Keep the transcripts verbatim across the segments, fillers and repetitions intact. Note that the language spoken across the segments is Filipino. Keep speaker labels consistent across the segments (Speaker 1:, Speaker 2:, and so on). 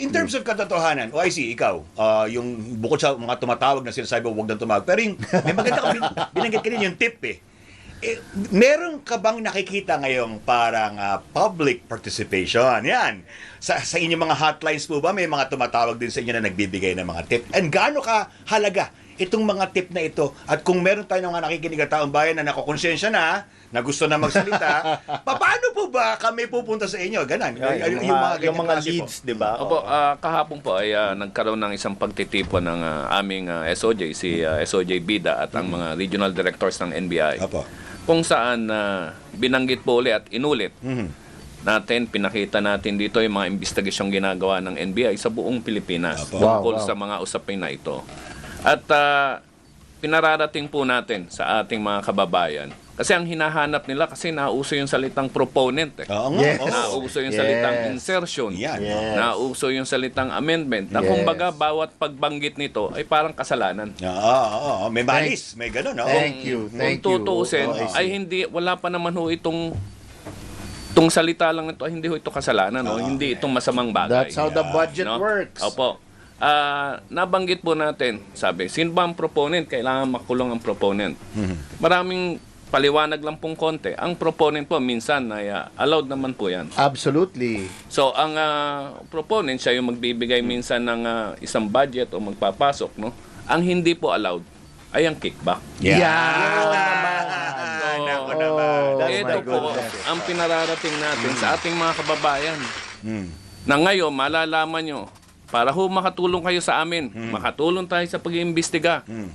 Speaker 1: In terms of katotohanan, O I C, ikaw, ah, yung bukod sa mga tumatawag na sinasabi mo, huwag nang tumawag. Pero yung, may maganda ka, bin- binanggit ka rin yung tip eh. eh. Meron ka bang nakikita ngayong parang ah, public participation? Yan. Sa, sa inyong mga hotlines po ba, may mga tumatawag din sa inyo na nagbibigay ng mga tip? And gaano ka halaga itong mga tip na ito? At kung meron tayo ng mga nakikinig na taong bayan na nakokonsensya na, na gusto na magsalita, paano po ba kami pupunta sa inyo? Ganon.
Speaker 2: Yeah, yung,
Speaker 1: yung
Speaker 2: mga, yung
Speaker 1: ganyang
Speaker 2: mga
Speaker 1: klase po.
Speaker 2: leads, di ba?
Speaker 3: Opo, ah, kahapon po ay ah, nagkaroon ng isang pagtitipon ng ah, aming ah, S O J, si ah, S O J Bida at ang mga regional directors ng N B I.
Speaker 1: Apo.
Speaker 3: Kung saan ah, binanggit po ulit at inulit
Speaker 1: Mhm.
Speaker 3: natin, pinakita natin dito yung mga investigasyong ginagawa ng N B I sa buong Pilipinas
Speaker 1: Apo.
Speaker 3: tungkol
Speaker 2: Wow, wow.
Speaker 3: sa mga usapin na ito. At ah, pinararating po natin sa ating mga kababayan. Kasi ang hinahanap nila, kasi nauso yung salitang proponent eh.
Speaker 1: Oo nga.
Speaker 2: Yes.
Speaker 1: oo.
Speaker 3: Nauso yung
Speaker 2: Yes.
Speaker 3: salitang insertion.
Speaker 1: Yan.
Speaker 2: Yes.
Speaker 3: Nauso yung salitang amendment. Na
Speaker 2: Yes.
Speaker 3: kumbaga, bawat pagbanggit nito ay parang kasalanan.
Speaker 1: Oo, oo, oo. May malis, may gano'n, no?
Speaker 2: Thank you, thank
Speaker 3: Kung
Speaker 2: you.
Speaker 3: tutuusin,
Speaker 2: Oh, I see.
Speaker 3: ay hindi, wala pa naman ho itong itong salita lang ito, ay hindi ho ito kasalanan, no? Hindi itong masamang bagay.
Speaker 2: That's how the budget
Speaker 3: No?
Speaker 2: works.
Speaker 3: Opo. Ah, nabanggit po natin, sabi, sino ba ang proponent? Kailangan makulong ang proponent. Maraming paliwanag lang pong konti. Ang proponent po, minsan, ay ah, allowed naman po yan.
Speaker 2: Absolutely.
Speaker 3: So, ang ah, proponent, siya yung magbibigay minsan ng ah, isang budget o magpapasok, no? Ang hindi po allowed ay ang kickback.
Speaker 1: Yeah.
Speaker 2: Yan naman.
Speaker 1: Ah, nako
Speaker 2: Oh,
Speaker 1: naman.
Speaker 2: that's
Speaker 3: Ito
Speaker 2: my
Speaker 3: po
Speaker 2: goodness.
Speaker 3: ang pinararating natin sa ating mga kababayan.
Speaker 1: Mm.
Speaker 3: Na ngayon, malalaman nyo, para ho makatulong kayo sa amin, makatulong tayo sa pag-iimbestiga.
Speaker 1: Mm.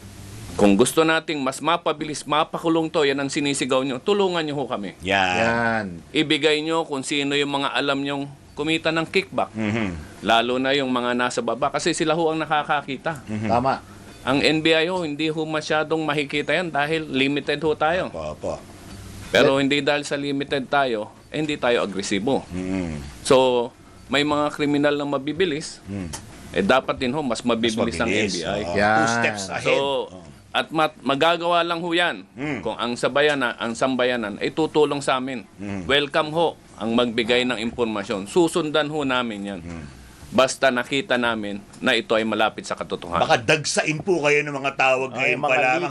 Speaker 3: Kung gusto nating mas mapabilis, mapakulong to, yan ang sinisigaw nyo, tulungan nyo ho kami.
Speaker 1: Yan.
Speaker 2: Yan.
Speaker 3: Ibigay nyo kung sino yung mga alam nyong kumita ng kickback.
Speaker 1: Mhm.
Speaker 3: Lalo na yung mga nasa baba, kasi sila ho ang nakakakita.
Speaker 2: Tama.
Speaker 3: Ang N B I ho, hindi ho masyadong makikita yan dahil limited ho tayo.
Speaker 1: Opo, opo.
Speaker 3: Pero hindi dahil sa limited tayo, eh, hindi tayo agresibo.
Speaker 1: Mhm.
Speaker 3: So, may mga kriminal na mabibilis,
Speaker 1: Mm.
Speaker 3: eh dapat din ho, mas mabibilis, ang N B I.
Speaker 1: Oo,
Speaker 2: Yan.
Speaker 1: Two steps ahead.
Speaker 3: So, at mat, magagawa lang ho yan
Speaker 1: Mm.
Speaker 3: kung ang sabayanan, ang sambayanan ay tutulong sa amin.
Speaker 1: Mm.
Speaker 3: Welcome ho ang magbigay ng impormasyon. Susundan ho namin yan.
Speaker 1: Mm.
Speaker 3: Basta nakita namin na ito ay malapit sa katotohanan.
Speaker 1: Baka dagsain po kayo ng mga tawag
Speaker 2: Ay,
Speaker 1: ngayon
Speaker 2: mga
Speaker 1: pa lamang.